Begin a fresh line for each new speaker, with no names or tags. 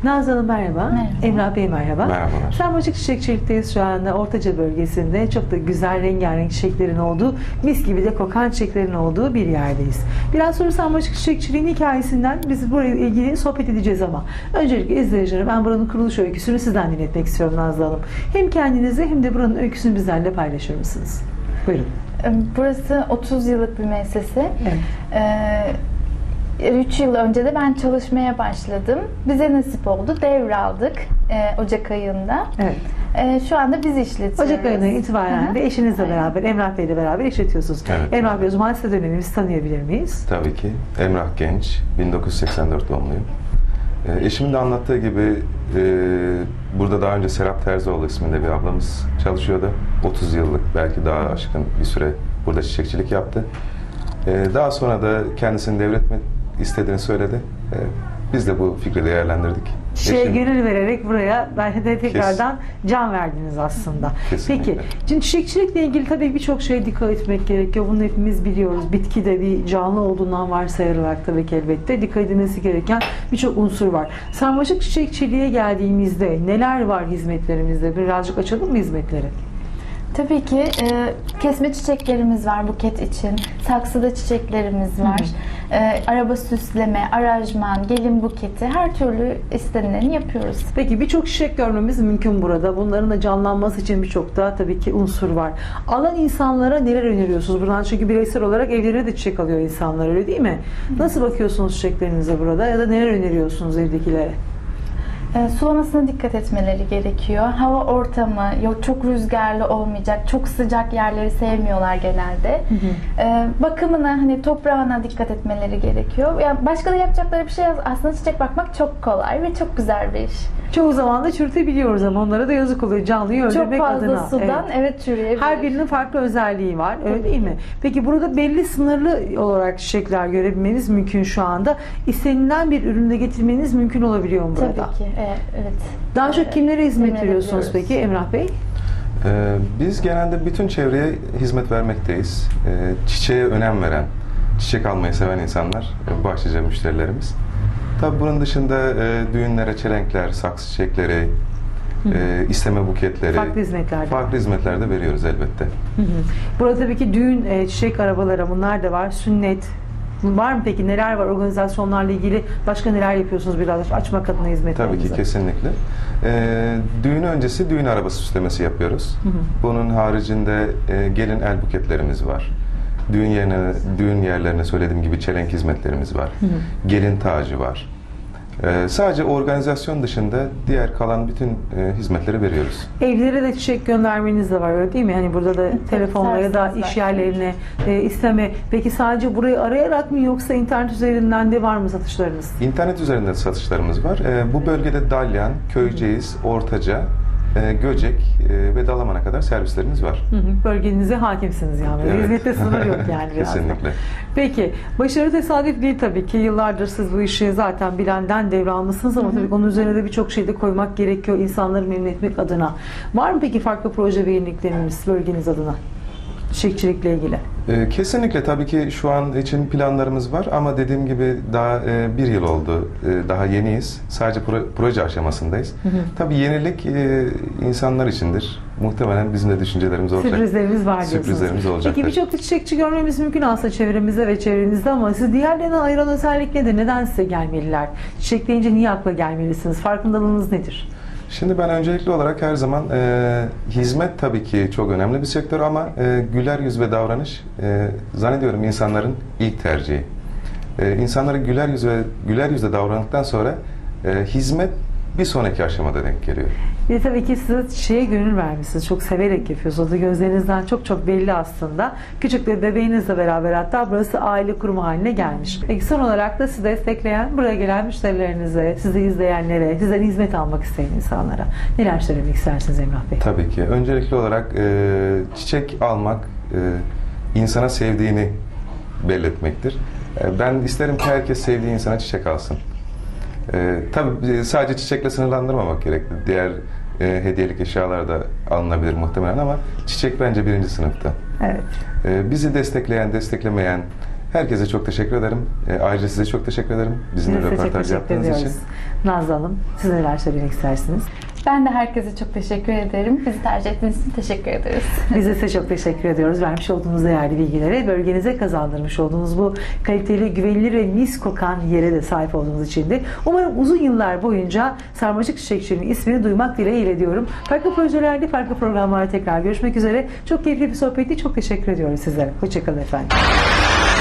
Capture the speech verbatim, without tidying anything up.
Nazlı Hanım merhaba.
Merhaba.
Emrah Bey merhaba.
Merhabalar.
Sarmaşık Çiçekçilik'teyiz şu anda Ortaca bölgesinde. Çok da güzel rengarenk çiçeklerin olduğu, mis gibi de kokan çiçeklerin olduğu bir yerdeyiz. Biraz sonra Sarmaşık Çiçekçiliğin hikayesinden biz buraya ilgili sohbet edeceğiz ama öncelikle izleyicilerim ben buranın kuruluş öyküsünü sizden dinletmek istiyorum Nazlı Hanım. Hem kendinizi hem de buranın öyküsünü bizlerle paylaşır mısınız? Buyurun.
Burası otuz yıllık bir müessese.
Evet.
Ee, üç yıl önce de ben çalışmaya başladım. Bize nasip oldu. Devraldık e, Ocak ayında.
Evet.
E, şu anda biz işletiyoruz.
Ocak ayından itibaren
Hı hı.
de eşinizle
Aynen.
beraber, Emrah Bey'le beraber işletiyorsunuz.
Evet.
Emrah Bey o zaman size dönelim, biz tanıyabilir miyiz?
Tabii ki. Emrah Genç, bin dokuz yüz seksen dört doğumluyum. E, eşimin de anlattığı gibi e, burada daha önce Serap Terzioğlu isminde bir ablamız çalışıyordu. otuz yıllık, belki daha aşkın bir süre burada çiçekçilik yaptı. E, daha sonra da kendisini devretmek istediğini söyledi. E, biz de bu fikri değerlendirdik.
Şeye
Eşim-
gönül vererek buraya belki de tekrardan can verdiniz aslında.
Kesinlikle.
Peki, şimdi çiçekçilikle ilgili tabii birçok şeye dikkat etmek gerekiyor. Bunu hepimiz biliyoruz. Bitki de bir canlı olduğundan varsayılarak tabii ki elbette dikkat edilmesi gereken birçok unsur var. Sarmaşık çiçekçiliğe geldiğimizde neler var hizmetlerimizde? Birazcık açalım mı hizmetleri?
Tabii ki e, kesme çiçeklerimiz var buket için. Saksıda çiçeklerimiz var. E, araba süsleme, aranjman, gelin buketi, her türlü istenileni yapıyoruz.
Peki birçok çiçek görmemiz mümkün burada. Bunların da canlanması için birçok da tabii ki unsur var. Alan insanlara neler öneriyorsunuz buradan? Çünkü bireysel olarak evlerine de çiçek alıyor insanlar, öyle değil mi? Nasıl bakıyorsunuz çiçeklerinize burada ya da neler öneriyorsunuz evdekilere?
E, sulamasına dikkat etmeleri gerekiyor. Hava ortamı, yok çok rüzgarlı olmayacak, çok sıcak yerleri sevmiyorlar genelde.
Hı hı.
E, bakımına, hani toprağına dikkat etmeleri gerekiyor. Yani başka da yapacakları bir şey yok. Aslında çiçek bakmak çok kolay ve çok güzel bir iş.
Çoğu zaman da çürütebiliyoruz ama onlara da yazık oluyor. Canlıyı
Çok
öldürmek
fazla
adına.
sudan
Evet.
evet, çürüyebilir.
Her birinin farklı özelliği var, öyle değil mi? Peki burada belli sınırlı olarak çiçekler görebilmeniz mümkün şu anda. İstenilen bir üründe getirmeniz mümkün olabiliyor mu burada?
Tabii ki. Evet. evet.
Daha çok kimlere hizmet
Temin
veriyorsunuz
edebiliyoruz.
peki Emrah Bey?
Ee, biz genelde bütün çevreye hizmet vermekteyiz. Ee, çiçeğe önem veren, çiçek almayı seven insanlar e, başlıca müşterilerimiz. Tabii bunun dışında e, düğünlere çelenkler, saksı çiçekleri, e, isteme buketleri,
Farklı hizmetler de
farklı hizmetler de veriyoruz elbette.
Hı hı. Burada tabii ki düğün, e, çiçek arabaları bunlar da var. Sünnet. Var mı peki? Neler var organizasyonlarla ilgili? Başka neler yapıyorsunuz biraz açmak adına hizmetlerinizi?
Tabii ki kesinlikle. Ee, düğün öncesi düğün arabası süslemesi yapıyoruz.
Hı hı.
Bunun haricinde e, gelin el buketlerimiz var. Düğün yerine, düğün yerlerine söylediğim gibi çelenk hizmetlerimiz var.
Hı hı.
Gelin tacı var. Ee, sadece organizasyon dışında diğer kalan bütün e, hizmetleri veriyoruz.
Evlere de çiçek göndermeniz de var, öyle değil mi? Hani burada da telefonla ya da
servisimiz
iş
var.
yerlerine e, isteme. Peki sadece burayı arayarak mı yoksa internet üzerinden de var mı satışlarınız?
İnternet üzerinden satışlarımız var. Ee, bu bölgede Dalyan, Köyceğiz, Ortaca, e, Göcek e, ve Dalaman'a kadar servislerimiz var.
Hı hı. Bölgenize hakimsiniz yani.
Evet.
Hizmette sınır yok yani biraz da.
Kesinlikle.
Peki, başarı tesadüf değil tabii ki. Yıllardır siz bu işi zaten bilenden devralmışsınız ama tabii onun üzerine de birçok şey de koymak gerekiyor insanları memnun etmek adına. Var mı peki farklı proje ve yenilikleriniz bölgeniz adına? Çiçekçilikle ilgili.
Ee, Kesinlikle tabii ki şu an için planlarımız var ama dediğim gibi daha e, bir yıl oldu. E, daha yeniyiz. Sadece pro- proje aşamasındayız.
Hı hı.
Tabii yenilik e, insanlar içindir. Muhtemelen bizim de düşüncelerimiz olacak.
Sürprizlerimiz var diyorsunuz.
Sürprizlerimiz olacak.
Peki birçok da çiçekçi görmemiz mümkün aslında çevremizde ve çevrenizde ama siz diğerlerine ayıran özellik nedir? Neden size gelmeliler? Çiçek deyince niye akla gelmelisiniz? Farkındalığınız nedir?
Şimdi ben öncelikli olarak her zaman e, hizmet tabii ki çok önemli bir sektör ama e, güler yüz ve davranış e, zannediyorum insanların ilk tercihi. E, insanları güler yüz ve güler yüzle davrandıktan sonra e, hizmet bir sonraki aşamada denk geliyor.
Bir de tabii ki siz çiçeğe gönül vermişsiniz. Çok severek yapıyorsunuz. Gözlerinizden çok çok belli aslında. Küçük bir bebeğinizle beraber hatta burası aile kurumu haline gelmiş. Peki son olarak da sizi destekleyen, buraya gelen müşterilerinize, sizi izleyenlere, sizden hizmet almak isteyen insanlara neler söylemek istersiniz Emrah Bey?
Tabii ki. Öncelikli olarak e, çiçek almak e, insana sevdiğini belirtmektir. E, ben isterim ki herkes sevdiği insana çiçek alsın. E, tabii sadece çiçekle sınırlandırmamak gerekli. Diğer e, hediyelik eşyalar da alınabilir muhtemelen ama çiçek bence birinci sınıfta.
Evet.
E, bizi destekleyen, desteklemeyen, Herkese çok teşekkür ederim. E, ayrıca size çok teşekkür ederim. Bizimle
Biz de çok
röportaj
teşekkür
yaptığınız
ediyoruz.
için.
Nazlı Hanım, siz neler söylemek istersiniz?
Ben de herkese çok teşekkür ederim. Bizi tercih ettiğiniz için teşekkür ederiz.
Biz de size çok teşekkür ediyoruz. Vermiş olduğunuz değerli bilgilere, bölgenize kazandırmış olduğunuz bu kaliteli, güvenilir ve mis kokan yere de sahip olduğunuz için de umarım uzun yıllar boyunca Sarmaşık Çiçekçiliği'nin ismini duymak dileğiyle diyorum. Farklı projelerde, farklı programlarda tekrar görüşmek üzere. Çok keyifli bir sohbetti. Çok teşekkür ediyoruz sizlere. Hoşçakalın efendim.